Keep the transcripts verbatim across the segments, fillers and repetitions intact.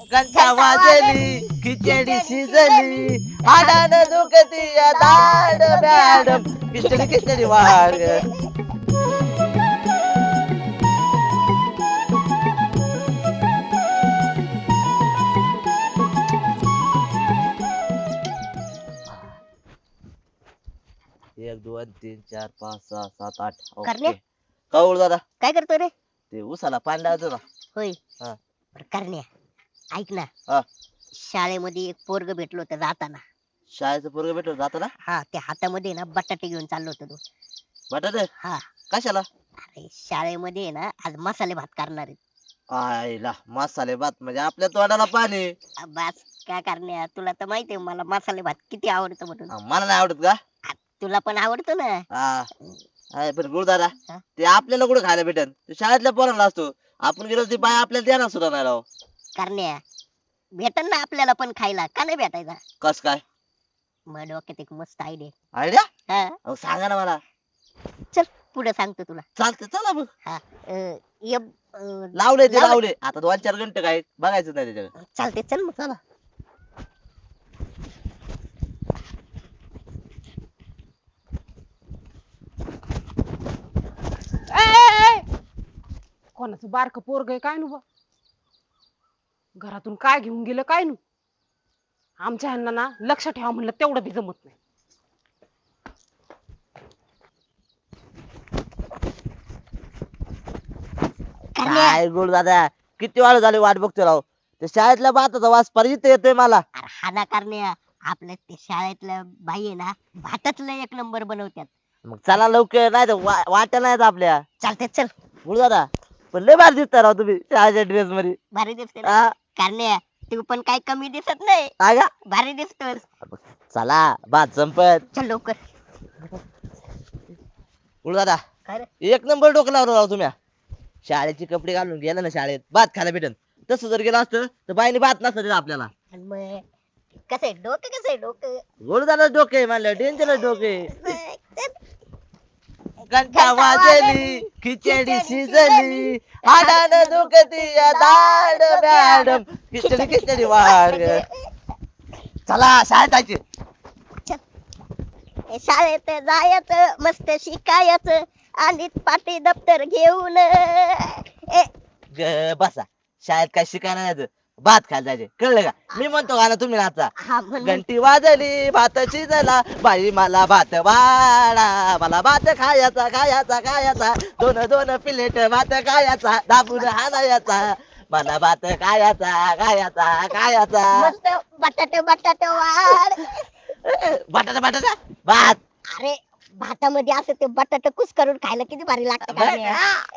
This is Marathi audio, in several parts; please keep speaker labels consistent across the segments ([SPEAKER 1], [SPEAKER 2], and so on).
[SPEAKER 1] घंटा वाजली खिचडी शिजली हाडानं दुखती या दाड मॅडम खिचडी खिचडी वाढ. एक दोन तीन चार पाच सहा सात आठ.
[SPEAKER 2] करण्या?
[SPEAKER 1] कौळ दादा
[SPEAKER 2] काय करतोय रे?
[SPEAKER 1] ते उसाला पाणी लावतो ना.
[SPEAKER 2] होय.
[SPEAKER 1] हा.
[SPEAKER 2] बरं, करण्या ऐक ना.
[SPEAKER 1] हा.
[SPEAKER 2] शाळेमध्ये एक पोरग भेटलो होतं जाताना.
[SPEAKER 1] शाळेचं पोरग भेटलं जातं ना.
[SPEAKER 2] हा, त्या हातामध्ये ना बटाटे घेऊन चाललो होतो तो.
[SPEAKER 1] बटाटे
[SPEAKER 2] हा.
[SPEAKER 1] कशाला?
[SPEAKER 2] अरे शाळेमध्ये आहे ना आज मसाले भात करणार आहेत.
[SPEAKER 1] आईला मसाले भात म्हणजे आपल्या तोंडाला पाणी.
[SPEAKER 2] आ, बस काय करण्या, तुला तर माहिती आहे मला मसाले भात किती आवडतो म्हणून.
[SPEAKER 1] हा, मला नाही आवडत का?
[SPEAKER 2] आ, तुला पण आवडतो ना.
[SPEAKER 1] हा. आहे पण गुरुदादा
[SPEAKER 2] हा?
[SPEAKER 1] ते आपल्याला कुठे खायला भेटन, ते शाळेतल्या पोरांना असतो. आपण गेलो ती बाय आपल्याला देणार सुद्धा नाही राव.
[SPEAKER 2] करण्या भेटन ना आपल्याला पण खायला, का नाही भेटायचा?
[SPEAKER 1] कस काय
[SPEAKER 2] मग डोक्यात एक मस्त आयडिया.
[SPEAKER 1] आयडिया?
[SPEAKER 2] हा,
[SPEAKER 1] अहो सांगा ना मला.
[SPEAKER 2] चल पुढे सांगतो तुला.
[SPEAKER 1] चालते चला मग.
[SPEAKER 2] हा, अं, ये, अं,
[SPEAKER 1] लावले ते
[SPEAKER 2] लावले.
[SPEAKER 1] लावले आता दोन चार घंटे काय बघायचं नाही त्याच्याकडे.
[SPEAKER 2] चालते चल मग.
[SPEAKER 1] चला.
[SPEAKER 3] कोणाचं बारक पोरग आहे काय नु बा, घरातून काय घेऊन गेलं काय नु. आमच्या ह्यांना ना लक्ष ठेवा म्हणलं तेवढं बी जमत नाही.
[SPEAKER 2] करण्या,
[SPEAKER 1] काय गुरुदादा किती वाढ झाली वाट बघतोय राव. ते शाळेतल्या भाताचा वास परिचित येतोय मला.
[SPEAKER 2] अरे हा ना करण्या, आपल्या ते शाळेतल्या बाई आहे ना भातातलं एक नंबर बनवतात.
[SPEAKER 1] मग चला लवकर नाही तर वाट्या नाहीत आपल्या.
[SPEAKER 2] चालते चल.
[SPEAKER 1] गुरुदादा पण लय भारी दिसता राव तुम्ही शाळेच्या ड्रेस मध्ये.
[SPEAKER 2] भारी दिसते ना.
[SPEAKER 1] हा.
[SPEAKER 2] करण्या तू पण काही कमी दिसत नाही,
[SPEAKER 1] हा का?
[SPEAKER 2] भारी दिसतोस.
[SPEAKER 1] चला भात संपत.
[SPEAKER 2] चल लवकर.
[SPEAKER 1] गुरुदादा
[SPEAKER 2] काय रे?
[SPEAKER 1] एक नंबर डोकं लावलं राव तुम्ही. शाळेचे कपडे घालून गेला ना शाळेत भात खायला भेटन. तसं जर गेलं असतं तर बाईने भात नसतं दिला आपल्याला.
[SPEAKER 2] आणि मग कसं आहे डोकं, कसं आहे डोकं?
[SPEAKER 1] गुरुदादा डोके म्हणलं डेंजर डोके.
[SPEAKER 2] चल.
[SPEAKER 1] घंटा वाजली खिचडी शिजली हाडानं दुखती या दाड मॅडम खिचडी खिचडी वाढ. चला शाळेत जायचे.
[SPEAKER 2] ए, शाळेत जायचं मस्त शिकायचं आणि पाटी दप्तर घेऊन. ए,
[SPEAKER 1] ग बसा शाळेत काय शिकायला नाही जायचं, भात खायला जायचे कळलं का? मी म्हणतो का ना तुम्ही नाचा.
[SPEAKER 2] हा म्हण म्हण.
[SPEAKER 1] घंटी वाजली भात शिजला बाई मला भात वाढा मला भात खायचा खायचा खायचा दोन दोन प्लेट भात खायचा दाबून हाणायचा मला भात खायचा खायचा खायचा.
[SPEAKER 2] मस्त बटाटे बटाटे वाढ.
[SPEAKER 1] बटाटा बटाटा भात.
[SPEAKER 2] अरे भातामध्ये असं ते बटाटे कुस करून खायला किती भारी लागतं का नाही?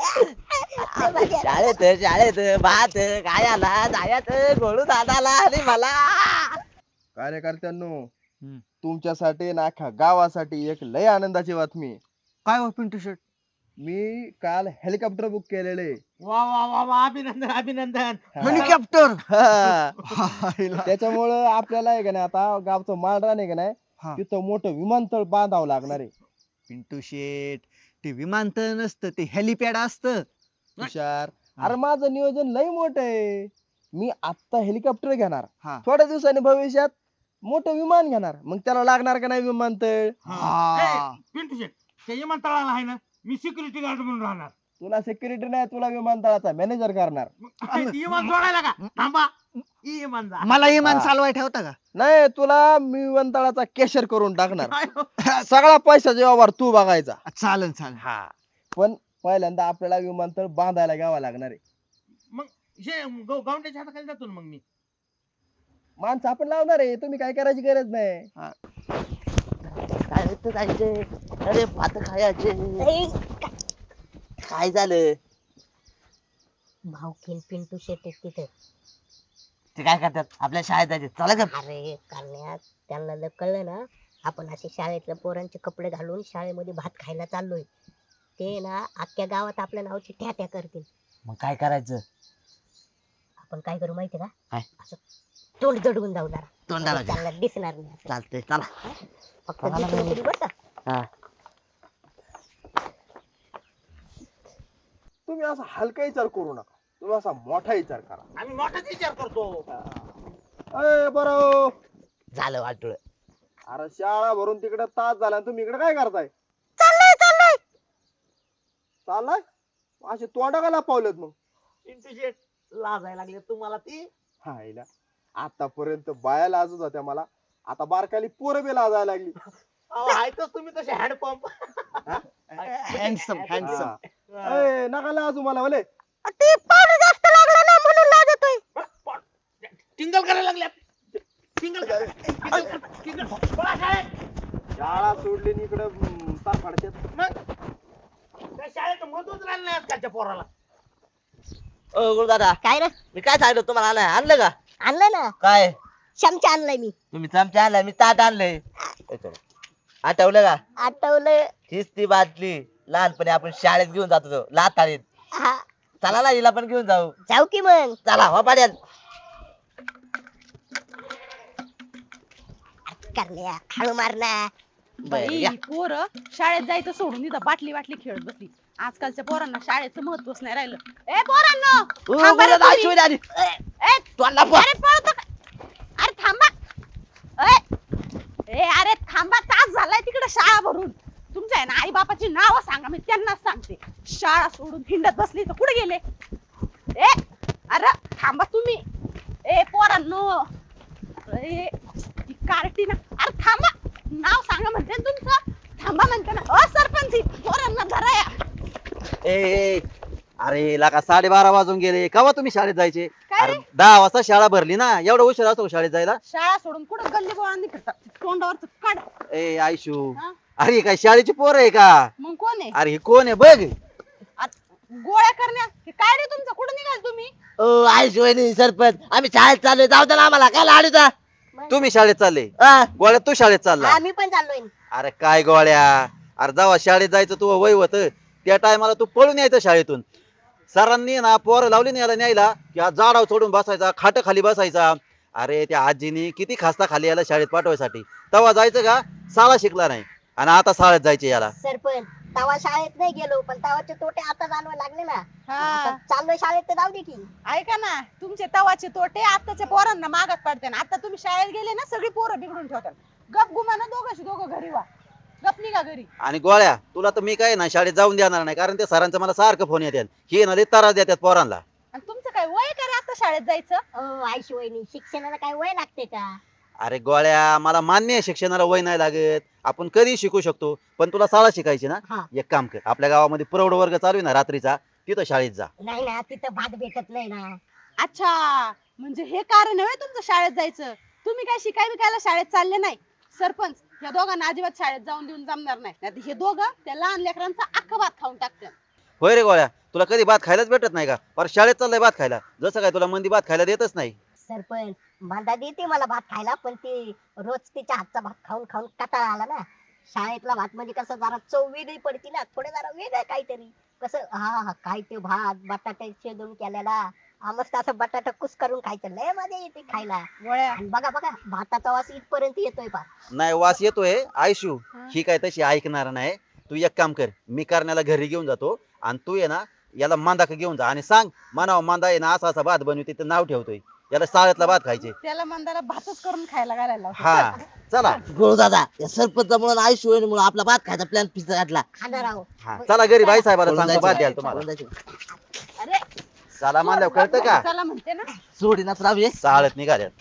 [SPEAKER 1] शाळेत शाळेत भात खायला जायचं गोळू दादाला आणि मला.
[SPEAKER 4] कार्यकर्त्यांनो, तुमच्यासाठी ना अख्ख्या गावासाठी एक लय आनंदाची बातमी.
[SPEAKER 5] काय हो पिंटू शेट?
[SPEAKER 4] मी काल हेलिकॉप्टर बुक केलेले.
[SPEAKER 5] वा वा वा वा अभिनंदन अभिनंदन. हेलिकॉप्टर.
[SPEAKER 4] त्याच्यामुळं आपल्याला आहे का नाही आता गावचं माळरान आहे का नाही
[SPEAKER 5] हा.
[SPEAKER 4] तिथं मोठं विमानतळ बांधावं लागणार आहे.
[SPEAKER 5] पिंटू शेट ते विमानतळ नसतं ते हेलिपॅड असतं.
[SPEAKER 4] तुषार, अरे माझं नियोजन लय मोठं आहे. मी आता हेलिकॉप्टर घेणार,
[SPEAKER 5] हा.
[SPEAKER 4] थोड्या दिवसांनी भविष्यात मोठं विमान घेणार, मग त्याला लागणार का नाही विमानतळ.
[SPEAKER 5] हा.
[SPEAKER 6] पिंटू शेट त्या विमानतळाला आहे ना मी सिक्युरिटी गार्ड म्हणून राहणार.
[SPEAKER 4] तुला सेक्युरिटी नाही, तुला विमानतळाचा मॅनेजर करणार.
[SPEAKER 6] मग विमान सोडायला का थांबा विमान जा.
[SPEAKER 5] मला विमान
[SPEAKER 4] हा.
[SPEAKER 5] चालवाय ठेवता का?
[SPEAKER 4] नाही, तुला मी विमानतळाचा केशर करून टाकणार. सगळा पैशाचा व्यवहार तू बघायचा.
[SPEAKER 5] चालन चालन.
[SPEAKER 4] हा, पण पहिल्यांदा आपल्याला विमानतळ बांधायला घ्यावा लागणार आहे.
[SPEAKER 6] मग हे गावंड्याच्या हाताखाली जातो ना मग मी.
[SPEAKER 4] माणसं आपण लावणार आहे, तुम्ही काय करायची गरज नाही.
[SPEAKER 1] शाळेत जायचे अरे भात खायचे.
[SPEAKER 2] ए,
[SPEAKER 1] काय झालं?
[SPEAKER 2] भाऊकीन पिंटू शेट आहेत तिथे.
[SPEAKER 1] ते काय करतात आपल्या शाळेत जायचे चला का?
[SPEAKER 2] अरे करण्यात त्यांना जर कळलं ना आपण असे शाळेतल्या पोरांचे कपडे घालून शाळेमध्ये भात खायला चाललोय, ते ना अख्ख्या गावात आपल्या नावाची ठ्या करतील.
[SPEAKER 1] मग काय करायचं?
[SPEAKER 2] आपण काय करू माहिती का?
[SPEAKER 1] काय?
[SPEAKER 2] असं तोंड जडवून जाऊ जरा.
[SPEAKER 1] तोंडाला
[SPEAKER 2] त्यांना दिसणार नाही असं.
[SPEAKER 1] चालतंय चला.
[SPEAKER 2] फक्त दिसलं तरी बसा.
[SPEAKER 1] हा.
[SPEAKER 4] तुम्ही असा हलका विचार करू नका. तुम्ही असा मोठा विचार करा.
[SPEAKER 6] आम्ही मोठाच विचार करतो.
[SPEAKER 4] अय बरं,
[SPEAKER 1] झालं वाटलं.
[SPEAKER 4] अरे शाळा भरून तिकडे तास झाला आणि तुम्ही इकडे काय करताय?
[SPEAKER 2] चाललंय चाललंय
[SPEAKER 4] चाललाय असे तोंडा का पावलेत मग?
[SPEAKER 1] पिंटू शेट लाजायला लागले तुम्हाला ती.
[SPEAKER 4] हायला आतापर्यंत बाया लाजत होत्या मला, आता बारकाली पोरं बी लाजायला लागली.
[SPEAKER 1] अहो आहेतच तुम्ही तसे हँडपंप.
[SPEAKER 5] Handsome handsome.
[SPEAKER 4] अय नका लाजू मला भले.
[SPEAKER 2] ते पावडर जास्त लागला ना म्हणून लागतोय.
[SPEAKER 6] टिंगल करायला लागल्यात. टिंगल टिंगल टिंगल पळा शाळेत.
[SPEAKER 4] शाळा सोडली आणि इकडे तार फाडतात.
[SPEAKER 6] मग त्या शाळेत महत्वच राहिलं नाही आजकालच्या पोराला.
[SPEAKER 1] ओ गुरुदादा
[SPEAKER 2] काय रे
[SPEAKER 1] मी काय सांगितलं तुम्हाला आणलंय आणलं का?
[SPEAKER 2] आणलं ना
[SPEAKER 1] काय
[SPEAKER 2] चमचा आणलाय मी.
[SPEAKER 1] तुम्ही चमचा आणलाय मी ताट आणलंय. आठवलं का?
[SPEAKER 2] आठवलं.
[SPEAKER 1] हीच ती बाटली लहानपणी आपण शाळेत घेऊन जात होतो लाताळीत.
[SPEAKER 2] हा
[SPEAKER 1] चला ना हिला पण घेऊन जाऊ.
[SPEAKER 2] जाऊ की मग.
[SPEAKER 1] चला हो पाड्यात.
[SPEAKER 2] करण्या हळू मार ना.
[SPEAKER 3] बाई पोर शाळेत जायचं सोडून इथं बाटली बाटली खेळत बसली. आजकालच्या पोरांना शाळेचं महत्वच नाही राहिलं. ए पोरांनो थांबा रे तुम्ही.
[SPEAKER 1] शिवाय आधी
[SPEAKER 3] ए,
[SPEAKER 1] तोंडला पो-
[SPEAKER 3] अरे पळतो का? अरे थांबा. ए, ए अरे थांबा तास झालाय तिकडे शाळा भरून. तुमच्या आहे ना आई बापाची नाव सांगा मी त्यांनाच सांगते. शाळा सोडून हिंडत बसली तर कुठे गेले? ए अरे थांबा तुम्ही. ए पोरांनो ए ती कार्टी ना. अरे थांबा नाव सांगा म्हणते ना तुमचं. थांबा म्हणते ना. अ सरपंच पोरांना धरा या.
[SPEAKER 7] ए ए, अरे लाका साडेबारा वाजून गेले, केव्हा तुम्ही शाळेत जायचे?
[SPEAKER 3] काय
[SPEAKER 7] अरे
[SPEAKER 3] रे?
[SPEAKER 7] दहा वाजता शाळा भरली ना, एवढा उशीर असतो का शाळेत जायला?
[SPEAKER 3] शाळा सोडून कुठं गल्ली बोळांनी फिरतात तोंडावरच काढ.
[SPEAKER 7] ए आयशू,
[SPEAKER 3] हा?
[SPEAKER 7] अरे ही काय शाळेची पोर आहे का?
[SPEAKER 3] मग कोण आहे?
[SPEAKER 7] अरे ही कोण आहे बघ.
[SPEAKER 3] गोळ्या करण्या हे काय रे तुमचं? कुठं निघाल तुम्ही?
[SPEAKER 1] ओ आई शिवाय सरपंच आम्ही शाळेत चाललोय जाऊ द्या ना आम्हाला काय लाडूचा.
[SPEAKER 7] तुम्ही शाळेत चालले?
[SPEAKER 1] हा.
[SPEAKER 7] गोळ्या तू शाळेत चालला?
[SPEAKER 2] आम्ही पण चाललोय.
[SPEAKER 7] अरे काय गोळ्या, अरे जेव्हा शाळेत जायचं तू वय होत त्या टायमाला तू पळून यायचं शाळेतून. सरांनी ना पोरं लावली नाही याला न्यायला की हा झाडावर चढून बसायचा, खाट खाली बसायचा. अरे त्या आजीनी किती खास्ता खाली याला शाळेत पाठवायसाठी. तेव्हा जायचं का? शाळा शिकला नाही आणि आता शाळेत जायचे याला.
[SPEAKER 2] सरपंच तवा शाळेत नाही गेलो पण तवाचे तोटे आता जाणवायला लागले ना.
[SPEAKER 3] हा.
[SPEAKER 2] आता चाललोय शाळेत तर जाऊ दे की.
[SPEAKER 3] ऐका ना तुमचे तवाचे तोटे आताच्या पोरांना मागात पडते ना. आता तुम्ही शाळेत गेले ना सगळी पोरं बिघडून ठेवतात. गप गुमाना दोघांशी दोघं घरी वा. गप निघा घरी.
[SPEAKER 7] आणि गोळ्या तुला तर मी काय ना शाळेत जाऊन देणार नाही, कारण त्या सरांचा मला सारखं फोन येतात. हे ना लई त्रास देतात पोरांना.
[SPEAKER 3] आणि तुमचं काय वय का रे आता शाळेत जायचं?
[SPEAKER 2] अहो आयशी वहिनी शिक्षणाला काय वय लागते का?
[SPEAKER 7] अरे गोळ्या मला मान्य आहे शिक्षणाला वय नाही लागत, आपण कधी शिकू शकतो, पण तुला शाळा शिकायची ना.
[SPEAKER 2] हा.
[SPEAKER 7] एक काम कर, आपल्या गावामध्ये प्रौढ वर्ग चालू आहे ना रात्रीचा, तिथं शाळेत जा.
[SPEAKER 2] नाही ना तिथं भात भेटत नाही ना.
[SPEAKER 3] अच्छा म्हणजे हे कारण आहे तुमचं शाळेत जायचं. तुम्ही काय शिकाय बिकायला शाळेत चालले नाही. सरपंच या दोघांना अजिबात शाळेत जाऊन देऊन जमणार नाही. नाहीतर हे दोघं त्या लहान लेकरांचा अख्खा भात खाऊन टाकतात.
[SPEAKER 7] होय रे गोळ्या, तुला कधी भात खायलाच भेटत नाही का? पर शाळेत चाललंय भात खायला, जसं काय तुला मंदी भात खायला देतच नाही.
[SPEAKER 2] सरपंच मांदा देते मला भात खायला पण ते रोज तिच्या हातचा भात खाऊन खाऊन कंटाळा आला ना. शाळेतला भात म्हणजे कसं जरा चव वेगळी पडती ना, थोडं जरा वेगळं काहीतरी. कसं हा हा काय ते भात बटाटे शिजवून केलेला, हा मस्त असं बटाटा कुस करून खायचं, लय मजा येते खायला.
[SPEAKER 3] गोळ्या
[SPEAKER 2] आणि बघा बघा भाताचा वास इथपर्यंत येतोय पा.
[SPEAKER 7] नाही वास येतोय आयशू, ही काय तशी ऐकणार नाही. तू एक काम कर, मी करण्याला घरी घेऊन जातो आणि तू ये ना याला मांदा घेऊन जा आणि सांग म्हणावं मांदा आहे ना असा असा भात बनवते ते नाव ठेवतोय, याला शाळेतला भात खायचे.
[SPEAKER 3] त्याला मंदाला भातच करून खायला घालायला लावतो.
[SPEAKER 7] हा चला.
[SPEAKER 1] गुरु दादा या सरपंच म्हणून आई शिवाय म्हणून आपला भात खायचा प्लॅन फिक्स घातला.
[SPEAKER 2] खाणार आहो.
[SPEAKER 7] हा चला घरी बाई साहेबाला
[SPEAKER 1] पळून
[SPEAKER 7] सांगतो भात
[SPEAKER 1] जायचं.
[SPEAKER 7] द्याल तुम्हाला.
[SPEAKER 1] पळून जायचं.
[SPEAKER 3] अरे
[SPEAKER 7] चला मांदा कळतं का?
[SPEAKER 3] चला म्हणते ना.
[SPEAKER 1] सोडीनाच राहू ये.
[SPEAKER 7] शाळेत निघाल्यात.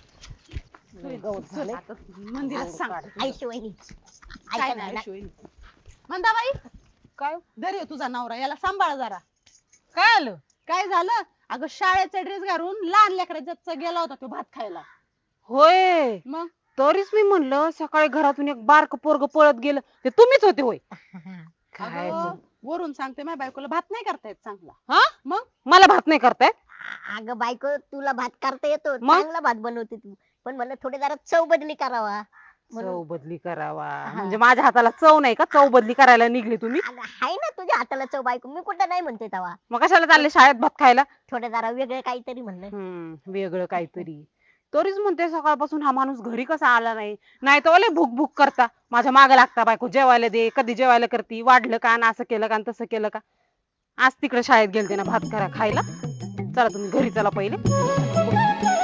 [SPEAKER 3] चल, आता मंदिरात सांग.
[SPEAKER 2] आयशी वहिनी
[SPEAKER 3] काय
[SPEAKER 2] ऐका
[SPEAKER 3] नाही
[SPEAKER 2] ना.
[SPEAKER 3] शिवाय. मंदाबाई काय दर्यो तुझा नवरा याला सांभाळ जरा. काय आलं? काय झालं? अगं शाळेचा ड्रेस घालून लहान लेकराचा गेला होता तो भात खायला.
[SPEAKER 8] होय,
[SPEAKER 3] मग
[SPEAKER 8] तरीच मी म्हणलं सकाळी घरातून एक बारक पोरग पळत गेलं, ते तुम्हीच होते होय? काय
[SPEAKER 3] अगं, वरून सांगते माझ्या बायकोला भात नाही करता येत चांगला.
[SPEAKER 8] हा
[SPEAKER 3] मग
[SPEAKER 8] मला भात नाही करताय?
[SPEAKER 2] अगं बायको तुला भात करता येतो,
[SPEAKER 8] मग?
[SPEAKER 2] चांगला भात बनवते तू, पण म्हणलं थोडे जरा चव बदली करावा म्हणून.
[SPEAKER 8] चव बदली करावा म्हणजे माझ्या हाताला चव नाही का? चव बदली करायला निघले तुम्ही?
[SPEAKER 2] अगं, हाय ना तुझ्या हाताला चव बायको, मी कुठं नाही म्हणते तवा.
[SPEAKER 8] मग कशाला चालले शाळेत भात खायला?
[SPEAKER 2] थोडं जरा वेगळं काहीतरी म्हणलं.
[SPEAKER 8] हम्म वेगळं काहीतरी. तरीच म्हणते सकाळपासून हा माणूस घरी कसा आला नाही. नाही तर ओले भूक भूक करता माझ्या मागे लागता, बायको जेवायला दे, कधी जेवायला करती, वाढलं का ना असं केलं का आणि तसं केलं का. आज तिकडे शाळेत गेलते ना भात करा खायला. चला तुम्ही घरी चला पहिले